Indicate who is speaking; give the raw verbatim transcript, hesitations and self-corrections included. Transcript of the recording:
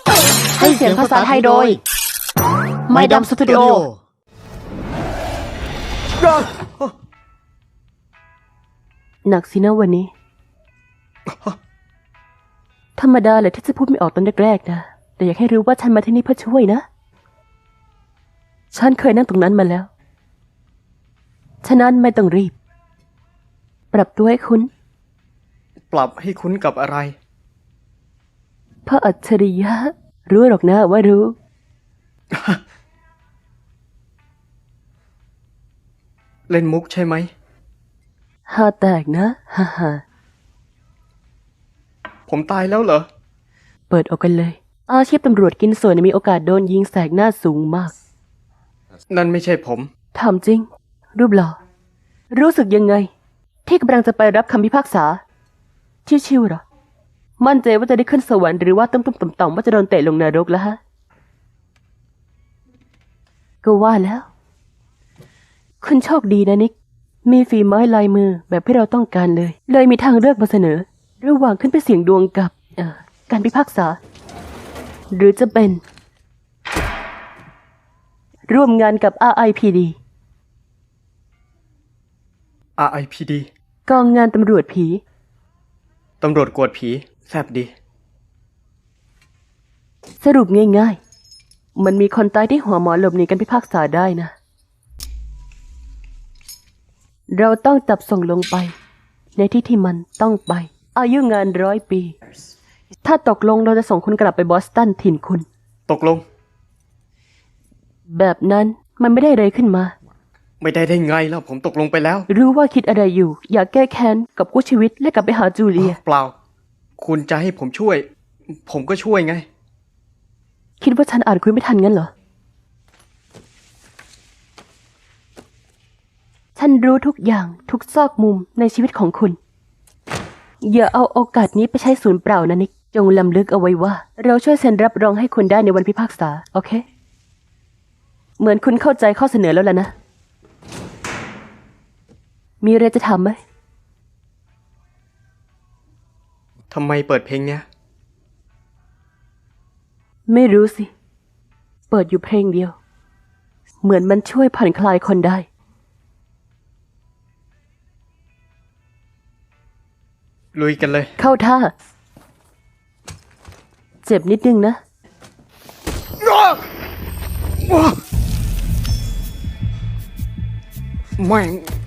Speaker 1: ให้เสียงภาษาไทยโดยไมค์ดำสตูดิโอหนักสินะวันนี้ธรรมดาเลยที่จะพูดไม่ออกตอนแรกๆนะแต่อยากให้รู้ว่าฉันมาที่นี่เพื่อช่วยนะฉันเคยนั่งตรงนั้นมาแล้วฉะนั้นไม่ต้องรีบปรับตัวให้คุ้น
Speaker 2: ปรับให้คุ้นกับอะไร
Speaker 1: พระอัจฉริยะรู้หรอกนะว่ารู้
Speaker 2: เล่นมุกใช่ไหม
Speaker 1: ฮาแตกนะฮ่าฮ่า
Speaker 2: ผมตายแล้วเหรอ
Speaker 1: เปิดออกกันเลยอาชีพตำรวจกินส่วนมีโอกาสโดนยิงแสกหน้าสูงมาก
Speaker 2: นั่นไม่ใช่ผม
Speaker 1: ถามจริงรูปหล่อรู้สึกยังไงที่กำลังจะไปรับคำพิพากษาชิวๆหรอมั่นใจว่าจะได้ขึ้นสวรรค์หรือว่าตุ้มๆต่อมๆว่าจะโดนเตะลงนรกแล้วฮะก็ว่าแล้วคุณโชคดีนะนิกมีฝีไม้ลายมือแบบที่เราต้องการเลยเลยมีทางเลือกมาเสนอระหว่างขึ้นไปเสี่ยงดวงกับเอ่อการพิพากษาหรือจะเป็นร่วมงานกับ อาร์ ไอ พี ดี
Speaker 2: อาร์ ไอ พี ดี
Speaker 1: กองงานตำรวจผี
Speaker 2: ตำรวจกวดผีแซ่บดี
Speaker 1: สรุปง่ายๆมันมีคนตายที่หัวหมอหลบหนีการพิพากษาได้นะเราต้องจับส่งลงไปในที่ที่มันต้องไปอายุงานร้อยปีถ้าตกลงเราจะส่งคุณกลับไปบอสตันถิ่นคุณ
Speaker 2: ตกลง
Speaker 1: แบบนั้นมันไม่ได้เลยขึ้นมา
Speaker 2: ไม่ได้ได้ไงแล้วผมตกลงไปแล้ว
Speaker 1: รู้ว่าคิดอะไรอยู่อยากแก้แค้นกับกู้ชีวิตและกลับไปหาจูเลีย
Speaker 2: เปล่าคุณจะให้ผมช่วยผมก็ช่วยไง
Speaker 1: คิดว่าฉันอ่านคุยไม่ทันงั้นเหรอฉันรู้ทุกอย่างทุกซอกมุมในชีวิตของคุณอย่าเอาโอกาสนี้ไปใช้ศูนย์เปล่านะนิกจงลำลึกเอาไว้ว่าเราช่วยเซ็นรับรองให้คุณได้ในวันพิพากษาโอเคเหมือนคุณเข้าใจข้อเสนอแล้วล่ะนะมีอะไรจะถามไหม
Speaker 2: ทำไมเปิดเพลงเนี้ย
Speaker 1: ไม่รู้สิเปิดอยู่เพลงเดียวเหมือนมันช่วยผ่อนคลายคนได้
Speaker 2: ลุยกันเลย
Speaker 1: เข้าท่าเจ็บนิดนึงนะ
Speaker 2: แม่ง